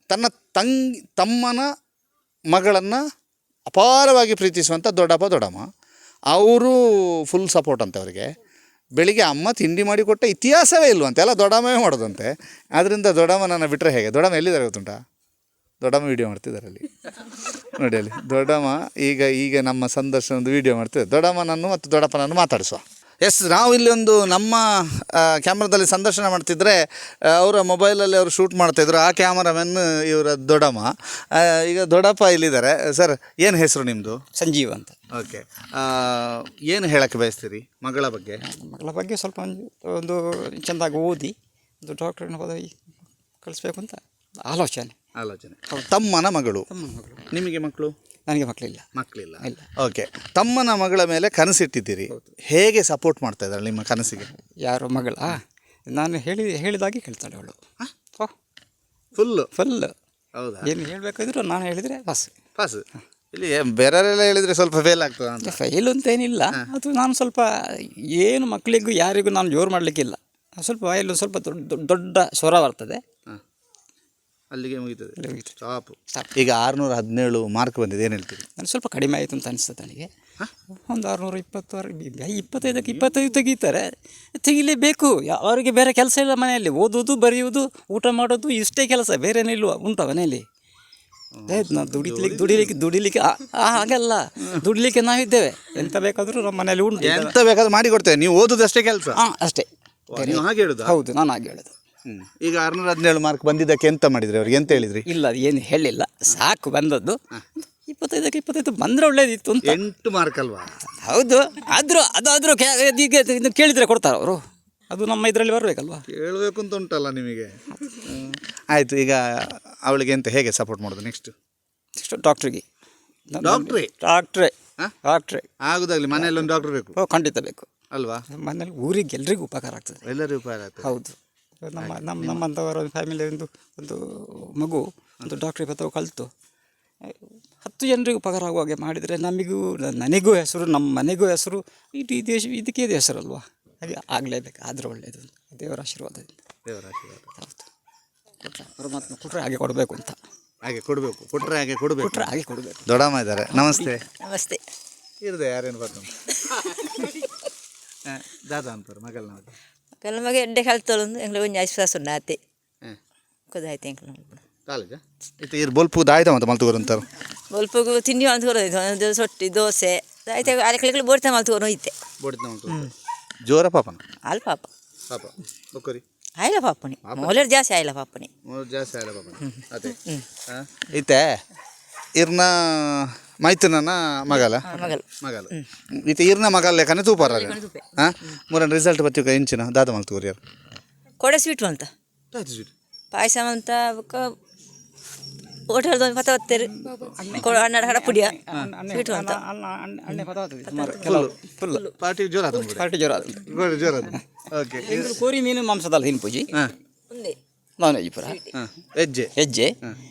Speaker 4: ತಮ್ಮನ ಮಗಳನ್ನು ಅಪಾರವಾಗಿ ಪ್ರೀತಿಸುವಂಥ ದೊಡ್ಡಪ್ಪ ದೊಡ್ಡಮ್ಮ ಅವರು ಫುಲ್ ಸಪೋರ್ಟ್ ಅಂತೆ ಅವರಿಗೆ. ಬೆಳಿಗ್ಗೆ ಅಮ್ಮ ತಿಂಡಿ ಮಾಡಿಕೊಟ್ಟ ಇತಿಹಾಸವೇ ಇಲ್ವಂತೆ, ಎಲ್ಲ ದೊಡ್ಡಮ್ಮವೇ ಮಾಡೋದಂತೆ. ಆದ್ದರಿಂದ ದೊಡ್ಡಮ್ಮನನ್ನು ಬಿಟ್ಟರೆ ಹೇಗೆ? ದೊಡ್ಡಮ್ಮ ಎಲ್ಲಿದ್ದಾರೆ ಗೊತ್ತುಂಟಾ? ದೊಡ್ಡಮ್ಮ ವೀಡಿಯೋ ಮಾಡ್ತಿದ್ದಾರೆ ಅಲ್ಲಿ ನೋಡಿ, ಅಲ್ಲಿ ದೊಡ್ಡಮ್ಮ ಈಗ ನಮ್ಮ ಸಂದರ್ಶನದ ವೀಡಿಯೋ ಮಾಡ್ತಿದ್ದಾರೆ. ದೊಡ್ಡಮ್ಮನನ್ನು ಮತ್ತು ದೊಡ್ಡಪ್ಪನನ್ನು ಮಾತಾಡಿಸುವ. ಎಸ್, ನಾವು ಇಲ್ಲಿ ಒಂದು ನಮ್ಮ ಕ್ಯಾಮ್ರಾದಲ್ಲಿ ಸಂದರ್ಶನ ಮಾಡ್ತಿದ್ರೆ ಅವರ ಮೊಬೈಲಲ್ಲಿ ಅವರು ಶೂಟ್ ಮಾಡ್ತಾಯಿದ್ರು. ಆ ಕ್ಯಾಮರಾಮನ್ ಇವರ ದೊಡ್ಡಮ್ಮ. ಈಗ ದೊಡ್ಡಪ್ಪ ಇಲ್ಲಿದ್ದಾರೆ. ಸರ್, ಏನು ಹೆಸರು ನಿಮ್ಮದು?
Speaker 3: ಸಂಜೀವ್ ಅಂತ.
Speaker 4: ಓಕೆ, ಏನು ಹೇಳಕ್ಕೆ ಬಯಸ್ತೀರಿ ಮಗಳ ಬಗ್ಗೆ?
Speaker 3: ಮಗಳ ಬಗ್ಗೆ ಸ್ವಲ್ಪ ಒಂದು ಚೆಂದಾಗಿ ಓದಿ ಒಂದು ಡಾಕ್ಟ್ರನ್ನ ಪದವಿ ಕಳಿಸ್ಬೇಕು ಅಂತ ಆಲೋಚನೆ.
Speaker 4: ತಮ್ಮನ ಮಗಳು. ನಿಮಗೆ ಮಕ್ಕಳು?
Speaker 3: ನನಗೆ ಮಕ್ಕಳಿಲ್ಲ.
Speaker 4: ಇಲ್ಲ. ಓಕೆ, ತಮ್ಮನ ಮಗಳ ಮೇಲೆ ಕನಸಿಟ್ಟಿದ್ದೀರಿ. ಹೇಗೆ ಸಪೋರ್ಟ್ ಮಾಡ್ತಾ ಇದ್ದಾಳೆ ನಿಮ್ಮ ಕನಸಿಗೆ?
Speaker 3: ಯಾರು ಮಗಳ? ನಾನು ಹೇಳಿದಾಗೆ ಕೇಳ್ತಾಳೆ ಅವಳು.
Speaker 4: ಫುಲ್ಲು? ಹೌದಾ?
Speaker 3: ಏನು ಹೇಳಬೇಕಾದ್ರೂ ನಾನು ಹೇಳಿದರೆ ಪಾಸ್.
Speaker 4: ಇಲ್ಲಿ ಬೇರೆಯವರೆಲ್ಲ ಹೇಳಿದರೆ ಸ್ವಲ್ಪ ಫೇಲ್ ಆಗ್ತದೆ ಅಂತ.
Speaker 3: ಫೈಲ್ ಅಂತ ಏನಿಲ್ಲ, ಅದು ನಾನು ಸ್ವಲ್ಪ ಏನು ಮಕ್ಕಳಿಗೂ ಯಾರಿಗೂ ನಾನು ಜೋರು ಮಾಡಲಿಕ್ಕಿಲ್ಲ. ಸ್ವಲ್ಪ ವಾಯಲು ಸ್ವಲ್ಪ ದೊಡ್ಡ ಸ್ವರ ಬರ್ತದೆ,
Speaker 4: ಅಲ್ಲಿಗೆ ಮುಗಿತದೆ, ಸ್ಟಾಪ್. ಈಗ 617 ಮಾರ್ಕ್ ಬಂದಿದೆ, ಏನು ಹೇಳ್ತೀರಿ?
Speaker 3: ನನಗೆ ಸ್ವಲ್ಪ ಕಡಿಮೆ ಆಯಿತು ಅಂತ ಅನಿಸ್ತದೆ ನನಗೆ. ಒಂದು 620 25 ತೆಗೀತಾರೆ, ತೆಗಿಲೇಬೇಕು. ಅವರಿಗೆ ಬೇರೆ ಕೆಲಸ ಇಲ್ಲ ಮನೆಯಲ್ಲಿ, ಓದೋದು ಬರೆಯುವುದು ಊಟ ಮಾಡೋದು ಇಷ್ಟೇ ಕೆಲಸ, ಬೇರೆನೇ ಇಲ್ವ ಉಂಟ ಮನೆಯಲ್ಲಿ? ನಾವು ದುಡಿಲಿಕ್ಕೆ ಹಾಗಲ್ಲ, ದುಡಿಲಿಕ್ಕೆ ನಾವಿದ್ದೇವೆ. ಎಂತ ಬೇಕಾದರೂ ನಮ್ಮ ಮನೇಲಿ ಉಂಟು,
Speaker 4: ಎಂತ ಬೇಕಾದ್ರೂ ಮಾಡಿ ಕೊಡ್ತೇವೆ, ನೀವು ಓದೋದಷ್ಟೇ ಕೆಲಸ.
Speaker 3: ಅಷ್ಟೇ.
Speaker 4: ನೀವು ಹಾಗೆ ಹೇಳುದು?
Speaker 3: ಹೌದು, ನಾನು ಹಾಗೆ ಹೇಳೋದು.
Speaker 4: ಈಗ 617 ಮಾರ್ಕ್ ಬಂದಿದ್ದಕ್ಕೆ ಎಂತ ಮಾಡಿದ್ರಿ ಅವ್ರಿಗೆ? ಎಂತ ಹೇಳಿದ್ರಿ?
Speaker 3: ಇಲ್ಲ, ಅದು ಏನು ಹೇಳಿಲ್ಲ, ಸಾಕು ಬಂದದ್ದು. 25 ಬಂದರೆ ಒಳ್ಳೇದಿತ್ತು ಅಂತ.
Speaker 4: 8 ಮಾರ್ಕ್ ಅಲ್ವಾ?
Speaker 3: ಹೌದು, ಅದಾದರೂ ಈಗ ಕೇಳಿದರೆ ಕೊಡ್ತಾರೆ ಅವರು, ಅದು ನಮ್ಮ ಇದರಲ್ಲಿ ಬರಬೇಕಲ್ವಾ?
Speaker 4: ಕೇಳಬೇಕು ಅಂತ ಉಂಟಲ್ಲ ನಿಮಗೆ. ಆಯಿತು, ಈಗ ಅವಳಿಗೆ ಎಂತ ಹೇಗೆ ಸಪೋರ್ಟ್ ಮಾಡೋದು ನೆಕ್ಸ್ಟ್?
Speaker 3: ಡಾಕ್ಟ್ರಿಗೆ. ಡಾಕ್ಟ್ರೇ
Speaker 4: ಆಗುದಾಗಲಿ. ಮನೆಯಲ್ಲಿ ಒಂದು ಡಾಕ್ಟರ್ ಬೇಕು.
Speaker 3: ಖಂಡಿತ ಬೇಕು
Speaker 4: ಅಲ್ವಾ?
Speaker 3: ಮನೇಲಿ ಊರಿಗೆ ಎಲ್ರಿಗೂ ಉಪಕಾರ ಆಗ್ತದೆ.
Speaker 4: ಎಲ್ಲರಿಗೂ ಉಪಕಾರ ಆಗ್ತದೆ.
Speaker 3: ಹೌದು, ನಮ್ಮಂಥವರ ಫ್ಯಾಮಿಲಿ ಒಂದು ಮಗು ಒಂದು ಡಾಕ್ಟ್ರಿಗೆ ಪತ್ರ ಕಲಿತು 10 ಜನರಿಗೂ ಉಪಕಾರ ಆಗುವ ಹಾಗೆ ಮಾಡಿದರೆ ನನಗೂ ಹೆಸರು, ನಮ್ಮ ಮನೆಗೂ ಹೆಸರು, ಇಡೀ ಇದಕ್ಕೆ ಹೆಸರಲ್ವಾ? ಹಾಗೆ ಆಗಲೇಬೇಕು, ಆದರೆ ಒಳ್ಳೆಯದು, ದೇವರ ಆಶೀರ್ವಾದದಿಂದ. ಹೌದು, ಪರಮಾತ್ಮ ಕೊಟ್ಟರೆ ಹಾಗೆ ಕೊಡಬೇಕು ಅಂತ.
Speaker 4: ಹಾಗೆ ಕೊಡಬೇಕು, ಕೊಟ್ಟರೆ ಹಾಗೆ ಕೊಡಬೇಕು. ದೊಡ್ಡಮ್ಮ ಇದ್ದಾರೆ. ನಮಸ್ತೆ.
Speaker 5: ನಮಸ್ತೆ.
Speaker 4: ಇರದೆ ಯಾರೇನು ಬರ್ತಾನೆ ದಾದಾ ಅಂತಾರೆ ಮಗಲ್ನ.
Speaker 5: ಕಲ್ ಮಗೆ ಎಡ್ಡೆ ಕಲ್ತೊಂದು ಎಂಗ್ಳು ಒಂಜಿ ಐಶ್ವಾಸ ಉಂಡಾತೆ ಕುದಾಯ್ತು ಎಂಕ್ಲು
Speaker 4: ಕಾಲೇಜಾ ಇತ್ತು ಇರು ಬೊಲ್ಪು ದಾಯ್ತ ಮತ್ತೆ ಮಲ್ತುಗೋರು ಅಂತಾರೆ.
Speaker 5: ಬೊಲ್ಪುಗು ತಿಂಡಿ ಮಲ್ತುಗೋರು ಸೊಟ್ಟಿ ದೋಸೆ ಆಯ್ತು ಅಲೆಕ್ಲೆಗ್ಲು ಬೋಡ್ತಾ ಮಲ್ತುಗೋರು ಹೋಯ್ತೆ.
Speaker 4: ಬೋಡ್ತಾ ಮಲ್ತುಗೋರು ಜೋರ ಪಾಪನ
Speaker 5: ಅಲ್ಲಿ ಪಾಪ
Speaker 4: ಬೊಕ್ಕರಿ
Speaker 5: ಆಯ್ಲ ಪಾಪನಿ ಮೊಲರ್ ಜಾಸ್ತಿ ಆಯ್ಲ ಪಾಪನಿ
Speaker 4: ಜಾಸ್ತಿ ಆಯ್ಲ ಪಾಪನಿ ಅದೇ ಐತೆ ಇರ್ನ ಮೈತುನನ ಮಗಲು ಈತ ಇರ್ನ ಮಗಲ್ ಲೆಕ್ಕನೆ ತೂಪಾರ ಹಾಂ ಮೂರನ ರಿಸಲ್ಟ್ ಬತ್ತಿಕ ಇಂಚಿನ ದಾದ ಮಲ್ತುಗೋರು ಯಾರು
Speaker 5: ಕೊಡೆ ಸ್ವೀಟ್ ಅಂತ
Speaker 4: ಸ್ವೀಟ್
Speaker 5: ಪಾಯಸ ಅಂತ ಹೋಟೆಲ್ದು ಪತ್ತ ಹೊತ್ತೇರು ಹನ್ನೆರಡು ಹಡ ಪುಡಿಯ ಸ್ವೀಟ್ ಅಂತ
Speaker 4: ಪಾರ್ಟಿ ಜೋರ ಜೋರ ಓಕೆ
Speaker 3: ಕೋರಿ ಮೀನು ಮಾಂಸದಲ್ಲ ತಿನ್ ಪೂಜಿ
Speaker 5: ಒಂದೇ
Speaker 3: ನಾನ್ ವೆಜ್ ಪುರ ಹೆಜ್ಜೆ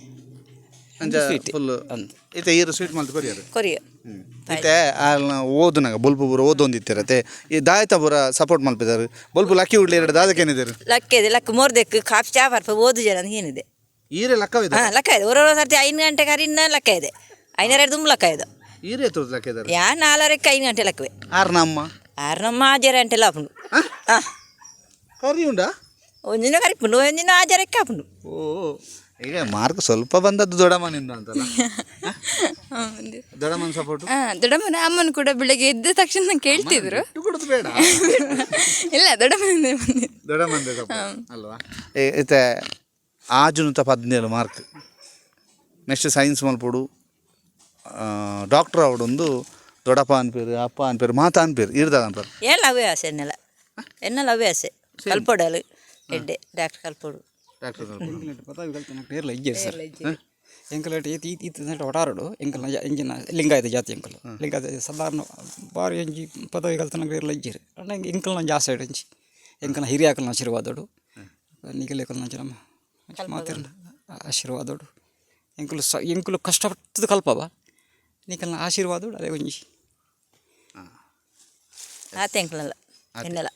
Speaker 4: ಫುಲ್ ಈತ ಈರು ಸ್ವೀಟ್ ಮಲ್ತು ಕೊರಿಯರು
Speaker 5: ಕೊರಿಯ
Speaker 4: ಮತ್ತೆ ಓದುನಾಗ ಬೊಲ್ಪು ಪೂರ ಓದೊಂದಿತ್ತಿರತ್ತೆ ಈ ದಾಯತ ಪೂರ ಸಪೋರ್ಟ್ ಮಲ್ಪಿದ್ದಾರೆ ಬೊಲ್ಪು ಲಕ್ಕಿ ಉಡ್ಲಿ ಎರಡು ದಾದಕ್ಕೇನಿದ್ದಾರೆ
Speaker 5: ಲಕ್ಕ ಇದೆ ಲಕ್ಕ ಮೋರ್ದೆಕ್ ಕಾಫಿ ಚಾ ಬರ್ಪ ಓದು ಜನ ಏನಿದೆ
Speaker 4: ಈರೆ ಲಕ್ಕವಿದೆ
Speaker 5: ಹಾಂ ಲೆಕ್ಕ ಇದೆ ಹೊರ ಸರ್ತಿ 5 ಗಂಟೆ ಕರಿನ ಲೆಕ್ಕ ಇದೆ 5:30 ತುಂಬ ಲೆಕ್ಕ ಇದೆ
Speaker 4: ಈರೆ ಎತ್ತರದ ಲೆಕ್ಕ ಇದ್ದಾರೆ
Speaker 5: ಯಾ 4:30ಕ್ಕೆ 5 ಗಂಟೆ ಲೆಕ್ಕವೇ
Speaker 4: ಆರ್ನಮ್ಮ
Speaker 5: ಆರ್ನಮ್ಮ ಆಜಾರ ಗಂಟೆ ಲಾಪುಂಡು ಹಾಂ
Speaker 4: ಕರಿ ಉಂಡಾ
Speaker 5: ಒಂದಿನ ಕರಿಪುಂಡು ಒಂದಿನ ಆಜಾರಕ್ಕೆ ಹಾಪುಂಡು
Speaker 4: ಓ ಈಗ ಮಾರ್ಕ್ ಸ್ವಲ್ಪ ಬಂದದ್ದು ದೊಡ್ಡಮ್ಮನಿಂದ ಅಂತಲ್ಲ ದೊಡ್ಡಮ್ಮನ ಸಪೋರ್ಟ್
Speaker 1: ದೊಡ್ಡಮ್ಮನ ಅಮ್ಮನ ಕೂಡ ಬೆಳಗ್ಗೆ ಎದ್ದ ತಕ್ಷಣ ನಂಗೆ ಕೇಳ್ತಿದ್ರು
Speaker 4: ಕೊಡೋದು ಬೇಡ
Speaker 1: ಇಲ್ಲ
Speaker 4: ದೊಡ್ಡಮ್ಮಂದೆ ಸಪೋರ್ಟ್ ಅಲ್ವಾ ಈತೆ ಆಜುನುತ 17 ಮಾರ್ಕ್ ನೆಕ್ಸ್ಟ್ ಸೈನ್ಸ್ ಮಲ್ಪೋಡು ಡಾಕ್ಟರ್ ಅವಡೊಂದು ದೊಡ್ಡಪ್ಪ ಅನ್ಪೇರು ಅಪ್ಪ ಅನ್ಪೇರು ಮಾತಾ ಅನ್ಪೇರು ಇರ್ದ ಅನ್ಪೇರು
Speaker 5: ಎಲ್ಲ ಅವೇ ಆಸೆ ಎನ್ನೆಲ್ಲ ಹವ್ಯಾಸೆ ಕಲ್ಪೊಡಲು ಎಡ್ಡೆ ಡಾಕ್ಟರ್ ಕಲ್ಪೊಡು
Speaker 4: ಡಾಕ್ಟರ್
Speaker 3: ಎಂಕಲ್ನಟ್ಟು ಪದವಿ ಕಲ್ತನ ಪೇರ್ಲ ಇಜ್ಜೇರಿ ಸರ್ ಎಂಕಲ್ನಟ್ಟು ಈತ ಒಟಾರಡು ಎಂಕಲ್ನ ಎಂಜಿನ ಲಿಂಗಾಯತ ಜಾತಿ ಎಂಕಲ್ ಲಿಂಗಾಯತ ಸಾಧಾರಣ ಬಾರಿ ಎಂಜಿ ಪದವಿ ಕಲ್ತನ ಪೇರ್ಲ ಇಜ್ಜೇರಿ ನಂಗೆ ಎಂಕಲ್ನ ಜಾಸ್ತಿ ಎಂಜಿ ಎಂಕಲ್ನ ಹಿರಿಯಾಕಲ್ನ ಆಶೀರ್ವಾದೋಡು ನಿಗಲೇಕಲ್ನ ಜನ ಮಾತಿರ ಆಶೀರ್ವಾದೋಡು ಎಂಕುಲು ಕಷ್ಟಪಟ್ಟದು ಕಲ್ಪವ ನಿಕಲ್ನ ಆಶೀರ್ವಾದೋಡು ಅದೇ ಒಂಜಿ
Speaker 5: ಆತ ಎಂಕಲಲ್ಲ ಎನ್ನಲ್ಲ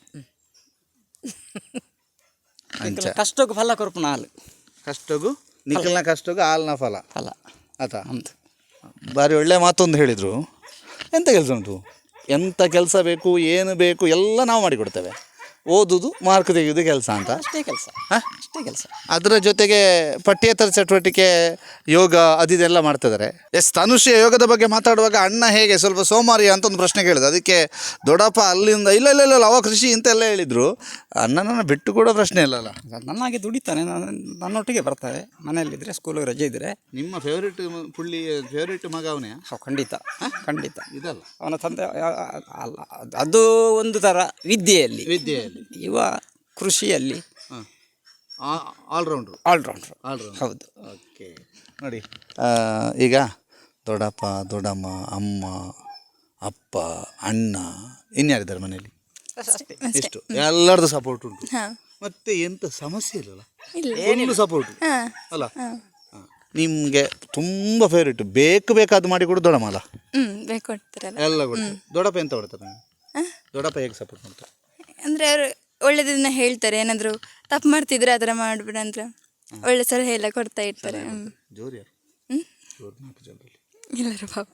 Speaker 3: ಕಷ್ಟಕ್ಕೆ ಫಲ ಕೊರಪುನ ಹಾಲು
Speaker 4: ಕಷ್ಟಗೂ ನಿಖಲ್ನ ಕಷ್ಟಗೂ ಹಾಲಿನ ಫಲ
Speaker 3: ಫಲ
Speaker 4: ಆತ
Speaker 3: ಹೌದು
Speaker 4: ಭಾರಿ ಒಳ್ಳೆ ಮಾತೊಂದು ಹೇಳಿದರು. ಎಂಥ ಕೆಲಸ ಉಂಟು, ಎಂಥ ಕೆಲಸ ಬೇಕು, ಏನು ಬೇಕು ಎಲ್ಲ ನಾವು ಮಾಡಿಕೊಡ್ತೇವೆ. ಓದುದು ಮಾರ್ಕ್ ತೆಗೆಯೋದು ಕೆಲಸ ಅಂತ
Speaker 3: ಅಷ್ಟೇ ಕೆಲಸ ಅಷ್ಟೇ ಕೆಲಸ.
Speaker 4: ಅದರ ಜೊತೆಗೆ ಪಠ್ಯೇತರ ಚಟುವಟಿಕೆ ಯೋಗ ಅದಿದೆಲ್ಲ ಮಾಡ್ತಿದ್ದಾರೆ. ತನುಶ್ರೀ ಯೋಗದ ಬಗ್ಗೆ ಮಾತಾಡುವಾಗ ಅಣ್ಣ ಹೇಗೆ ಸ್ವಲ್ಪ ಸೋಮಾರಿ ಅಂತ ಒಂದು ಪ್ರಶ್ನೆ ಕೇಳಿದೆ. ಅದಕ್ಕೆ ದೊಡ್ಡಪ್ಪ ಅಲ್ಲಿಂದ ಇಲ್ಲ ಇಲ್ಲ ಇಲ್ಲ ಅವ ಕೃಷಿ ಇಂತೆಲ್ಲ ಹೇಳಿದರು. ಅಣ್ಣನನ್ನು ಬಿಟ್ಟು ಕೊಡೋ ಪ್ರಶ್ನೆ ಇಲ್ಲಲ್ಲ.
Speaker 3: ನನ್ನಾಗೆ ದುಡಿತಾನೆ, ನನ್ನೊಟ್ಟಿಗೆ ಬರ್ತಾರೆ ಮನೆಯಲ್ಲಿದ್ದರೆ, ಸ್ಕೂಲಿಗೆ ರಜೆ ಇದ್ದರೆ.
Speaker 4: ನಿಮ್ಮ ಫೇವ್ರೇಟ್ ಮಗ ಅವನೇ?
Speaker 3: ಖಂಡಿತ ಖಂಡಿತ.
Speaker 4: ಇದಲ್ಲ
Speaker 3: ಅವನ ತಂದೆ ಅಲ್ಲ, ಅದು ಒಂದು ಥರ ವಿದ್ಯೆಯಲ್ಲಿ ಇವ ಕೃಷಿಯಲ್ಲಿ
Speaker 4: ಆಲ್ರೌಂಡ್ರು.
Speaker 3: ಹೌದು.
Speaker 4: ಓಕೆ ನೋಡಿ, ಈಗ ದೊಡ್ಡಪ್ಪ ದೊಡ್ಡಮ್ಮ ಅಮ್ಮ ಅಪ್ಪ ಅಣ್ಣ ಇನ್ಯಾರಿದ್ದಾರೆ ಮನೆಯಲ್ಲಿ? ಇಷ್ಟು ಎಲ್ಲರದ್ದು ಸಪೋರ್ಟ್ ಉಂಟು. ಮತ್ತೆ ಎಂತ ಸಮಸ್ಯೆ ಇಲ್ಲಲ್ಲ, ಫುಲ್ ಸಪೋರ್ಟ್ ಅಲ್ಲ. ನಿಮಗೆ ತುಂಬ ಫೇವ್ರೇಟ್ ಬೇಕಾದ ಮಾಡಿ ಕೊಡು ದೊಡ್ಡಮ್ಮ ಅಲ್ಲ?
Speaker 1: ಬೇಕು ಕೊಡ್ತಾರಲ್ಲ
Speaker 4: ಎಲ್ಲ ಕೊಡ್ತಾರೆ. ದೊಡ್ಡಪ್ಪ ಎಂತ ಕೊಡ್ತಾರೆ? ದೊಡ್ಡಪ್ಪ ಹೇಗೆ ಸಪೋರ್ಟ್ ಮಾಡ್ತಾರೆ?
Speaker 1: ಅಂದರೆ ಅವರು ಒಳ್ಳೇದನ್ನ ಹೇಳ್ತಾರೆ. ಏನಾದರೂ ತಪ್ಪು ಮಾಡ್ತಿದ್ರೆ ಆ ಥರ ಮಾಡ್ಬಿಡ ಅಂದ್ರೆ ಒಳ್ಳೆ ಸಲಹೆ ಎಲ್ಲ ಕೊಡ್ತಾ ಇರ್ತಾರೆ.
Speaker 4: ಜೋರು ಯಾರು? ಜೋರು 4 ಜನರಲ್ಲಿ
Speaker 1: ಎಲ್ಲರೂ ಪಾಪ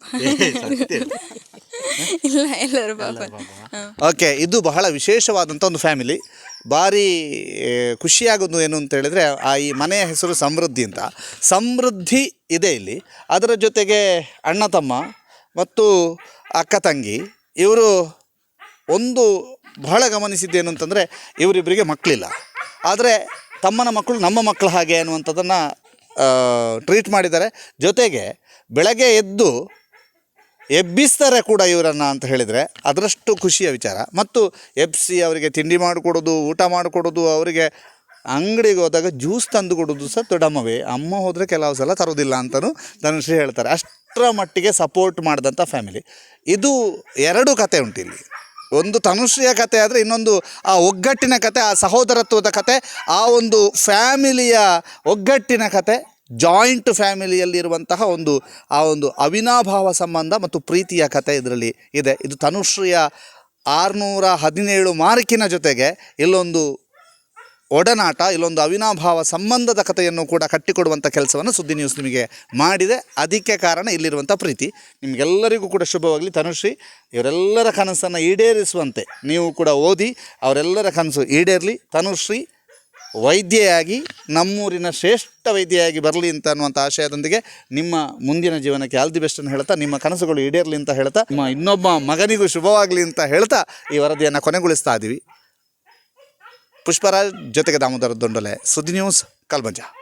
Speaker 1: ಇಲ್ಲ ಎಲ್ಲರೂ ಪಾಪ.
Speaker 4: ಓಕೆ, ಇದು ಬಹಳ ವಿಶೇಷವಾದಂಥ ಒಂದು ಫ್ಯಾಮಿಲಿ. ಭಾರಿ ಖುಷಿಯಾಗೋದು ಏನು ಅಂತ ಹೇಳಿದರೆ, ಈ ಮನೆಯ ಹೆಸರು ಸಮೃದ್ಧಿ ಅಂತ. ಸಮೃದ್ಧಿ ಇದೆ ಇಲ್ಲಿ. ಅದರ ಜೊತೆಗೆ ಅಣ್ಣ ತಮ್ಮ ಮತ್ತು ಅಕ್ಕ ತಂಗಿ ಇವರು ಒಂದು ಬಹಳ ಗಮನಿಸಿದ್ದೇನು ಅಂತಂದರೆ, ಇವರಿಬ್ಬರಿಗೆ ಮಕ್ಕಳಿಲ್ಲ, ಆದರೆ ತಮ್ಮನ ಮಕ್ಕಳು ನಮ್ಮ ಮಕ್ಕಳು ಹಾಗೆ ಅನ್ನುವಂಥದ್ದನ್ನು ಟ್ರೀಟ್ ಮಾಡಿದ್ದಾರೆ. ಜೊತೆಗೆ ಬೆಳಗ್ಗೆ ಎದ್ದು ಎಬ್ಬಿಸ್ತಾರೆ ಕೂಡ ಇವರನ್ನು ಅಂತ ಹೇಳಿದರೆ ಅದರಷ್ಟು ಖುಷಿಯ ವಿಚಾರ. ಮತ್ತು ಎಬ್ಬಿಸಿ ಅವರಿಗೆ ತಿಂಡಿ ಮಾಡಿಕೊಡೋದು, ಊಟ ಮಾಡಿಕೊಡೋದು, ಅವರಿಗೆ ಅಂಗಡಿಗೆ ಹೋದಾಗ ಜ್ಯೂಸ್ ತಂದು ಕೊಡೋದು ಸಹ ದೊಡ್ಡಮ್ಮವೇ. ಅಮ್ಮ ಹೋದರೆ ಕೆಲವು ಸಲ ತರೋದಿಲ್ಲ ಅಂತಲೂ ಧನುಶ್ರೀ ಹೇಳ್ತಾರೆ. ಅಷ್ಟರ ಮಟ್ಟಿಗೆ ಸಪೋರ್ಟ್ ಮಾಡಿದಂಥ ಫ್ಯಾಮಿಲಿ. ಇದು 2 ಕತೆ ಉಂಟು ಇಲ್ಲಿ. ಒಂದು ತನುಶ್ರೀಯ ಕತೆ ಆದರೆ ಇನ್ನೊಂದು ಆ ಒಗ್ಗಟ್ಟಿನ ಕತೆ, ಆ ಸಹೋದರತ್ವದ ಕತೆ, ಆ ಒಂದು ಫ್ಯಾಮಿಲಿಯ ಒಗ್ಗಟ್ಟಿನ ಕತೆ, ಜಾಯಿಂಟ್ ಫ್ಯಾಮಿಲಿಯಲ್ಲಿರುವಂತಹ ಆ ಒಂದು ಅವಿನಾಭಾವ ಸಂಬಂಧ ಮತ್ತು ಪ್ರೀತಿಯ ಕತೆ ಇದರಲ್ಲಿ ಇದೆ. ಇದು ತನುಶ್ರೀಯ 617 ಮಾರ್ಕಿನ ಜೊತೆಗೆ ಇಲ್ಲೊಂದು ಒಡನಾಟ, ಇಲ್ಲೊಂದು ಅವಿನಾಭಾವ ಸಂಬಂಧದ ಕಥೆಯನ್ನು ಕೂಡ ಕಟ್ಟಿಕೊಡುವಂಥ ಕೆಲಸವನ್ನು ಸುದ್ದಿ ನ್ಯೂಸ್ ನಿಮಗೆ ಮಾಡಿದೆ. ಅದಕ್ಕೆ ಕಾರಣ ಇಲ್ಲಿರುವಂಥ ಪ್ರೀತಿ. ನಿಮಗೆಲ್ಲರಿಗೂ ಕೂಡ ಶುಭವಾಗಲಿ. ತನುಶ್ರೀ ಇವರೆಲ್ಲರ ಕನಸನ್ನು ಈಡೇರಿಸುವಂತೆ ನೀವು ಕೂಡ ಓದಿ, ಅವರೆಲ್ಲರ ಕನಸು ಈಡೇರಲಿ. ತನುಶ್ರೀ ವೈದ್ಯೆಯಾಗಿ ನಮ್ಮೂರಿನ ಶ್ರೇಷ್ಠ ವೈದ್ಯೆಯಾಗಿ ಬರಲಿ ಅಂತ ಅನ್ನುವಂಥ ಆಶಯದೊಂದಿಗೆ ನಿಮ್ಮ ಮುಂದಿನ ಜೀವನಕ್ಕೆ ಆಲ್ ದಿ ಬೆಸ್ಟ್ ಅನ್ನು ಹೇಳ್ತಾ, ನಿಮ್ಮ ಕನಸುಗಳು ಈಡೇರಲಿ ಅಂತ ಹೇಳ್ತಾ, ನಿಮ್ಮ ಇನ್ನೊಬ್ಬ ಮಗನಿಗೂ ಶುಭವಾಗಲಿ ಅಂತ ಹೇಳ್ತಾ ಈ ವರದಿಯನ್ನು ಕೊನೆಗೊಳಿಸ್ತಾ ಇದ್ದೀವಿ. ಪುಷ್ಪರಾಜ್ ಜೊತೆಗೆ ದಾಮೋದರ ದೊಂಡಲೆ, ಸುದ್ದಿ ನ್ಯೂಸ್, ಕಲ್ಮಂಜ.